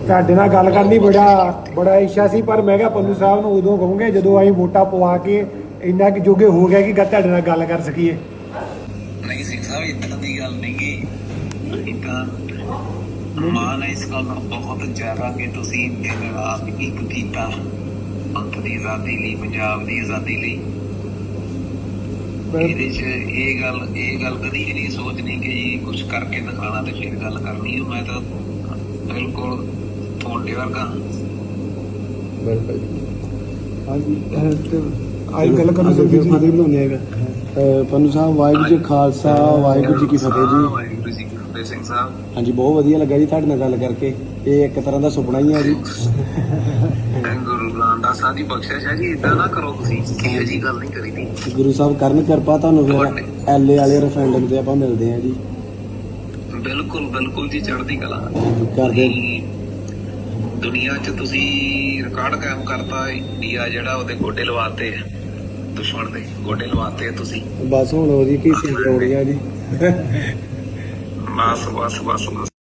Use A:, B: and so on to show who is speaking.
A: ਤੁਹਾਡੇ ਨਾਲ ਗੱਲ ਕਰਨੀ ਬੜਾ ਇੱਛਾ ਸੀ, ਪਰ ਮੈਂ ਕਿਹਾ ਪੰਨੂ ਸਾਹਿਬ ਨੂੰ ਉਦੋਂ ਕਹੂੰਗੇ ਜਦੋਂ ਅਸੀਂ ਵੋਟਾਂ ਪਵਾ ਕੇ ਇੰਨਾ ਕਿ ਜੋਗੇ ਹੋ ਗਿਆ ਕਿ ਤੁਹਾਡੇ ਨਾਲ ਗੱਲ ਕਰ ਸਕੀਏ।
B: ਨਹੀਂ ਸਿੰਘ ਸਾਹਿਬ ਇਦਾਂ ਦੀ ਗੱਲ ਨਹੀਂ ਗੀ, ਤਾਂ ਮਾਣ ਹੈ ਇਸ ਗੱਲ ਦਾ ਬਹੁਤ ਜ਼ਿਆਦਾ ਕਿ ਤੁਸੀਂ ਦਿਨ ਰਾਤ ਇੱਕ ਕੀਤਾ ਪੰਥ ਦੀ ਆਜ਼ਾਦੀ ਲਈ, ਪੰਜਾਬ ਦੀ ਆਜ਼ਾਦੀ ਲਈ। ਇਹਦੇ 'ਚ ਇਹ ਗੱਲ ਕਦੀ ਨਹੀਂ ਸੋਚਣੀ ਕਿ ਜੀ ਕੁਛ ਕਰਕੇ ਦਿਖਾਣਾ ਤੇ ਫਿਰ ਗੱਲ ਕਰਨੀ। ਮੈਂ ਤਾਂ ਬਿਲਕੁਲ ਤੁਹਾਡੇ ਵਰਗਾ।
C: ਬਿਲਕੁਲ
A: ਹਾਂਜੀ ਅੱਜ ਗੱਲ ਕਰਨੀ ਸੀ ਫਤਿਹ ਬਣਾਉਂਦੇ ਹੈਗਾ।
C: ਪੰਨੂ ਸਾਹਿਬ ਵਾਹਿਗੁਰੂ ਜੀ ਖਾਲਸਾ ਵਾਹਿਗੁਰੂ ਜੀ ਕੀ ਫਤਿਹ ਜੀ।
B: ਵਾਹਿਗੁਰੂ ਜੀ ਕੀ ਫਤਿਹ ਸਿੰਘ ਸਾਹਿਬ।
C: ਹਾਂਜੀ ਬਹੁਤ ਵਧੀਆ ਲੱਗਾ ਜੀ ਤੁਹਾਡੇ ਨਾਲ ਗੱਲ ਕਰਕੇ। ਇਹ ਇੱਕ ਤਰ੍ਹਾਂ ਦਾ ਸੁਪਨਾ ਹੀ ਆ ਜੀ।
B: ਗੁਰੂ ਰਾਮਦਾਸ ਸਾਹਿਬ ਦੀ ਬਖਸ਼ਿਸ਼ ਹੈ ਜੀ, ਇਦਾਂ ਨਾ ਕਰੋ ਤੁਸੀਂ, ਇਹੋ ਜਿਹੀ ਗੱਲ ਨਹੀਂ ਕਰੀਦੀ।
C: ਗੁਰੂ ਸਾਹਿਬ ਕਰਨ ਕਿਰਪਾ, ਤੁਹਾਨੂੰ ਫਿਰ ਐਲਏ ਵਾਲੇ ਰੈਫਰੈਂਡਮ ਤੇ ਆਪਾਂ ਮਿਲਦੇ ਹਾਂ ਜੀ।
B: ਬਿਲਕੁਲ ਬਿਲਕੁਲ ਜੀ, ਚੜ੍ਹਦੀ ਕਲਾ
C: ਕਰਦੇ।
B: ਦੁਨੀਆ 'ਚ ਤੁਸੀਂ ਰਿਕਾਰਡ ਕਾਇਮ ਕਰਤਾ। ਇੰਡੀਆ ਜਿਹੜਾ ਉਹਦੇ ਗੋਡੇ ਲਵਾਤੇ, ਦੁਸ਼ਮਣ ਦੇ ਗੋਡੇ ਲਵਾਤੇ ਤੁਸੀਂ।
C: ਬਸ ਹੁਣ ਉਹਦੀ ਕੀ ਸੀ ਲੋੜੀਆਂ ਜੀ।
B: ਬਸ ਬਸ ਬਸ ਬਸ।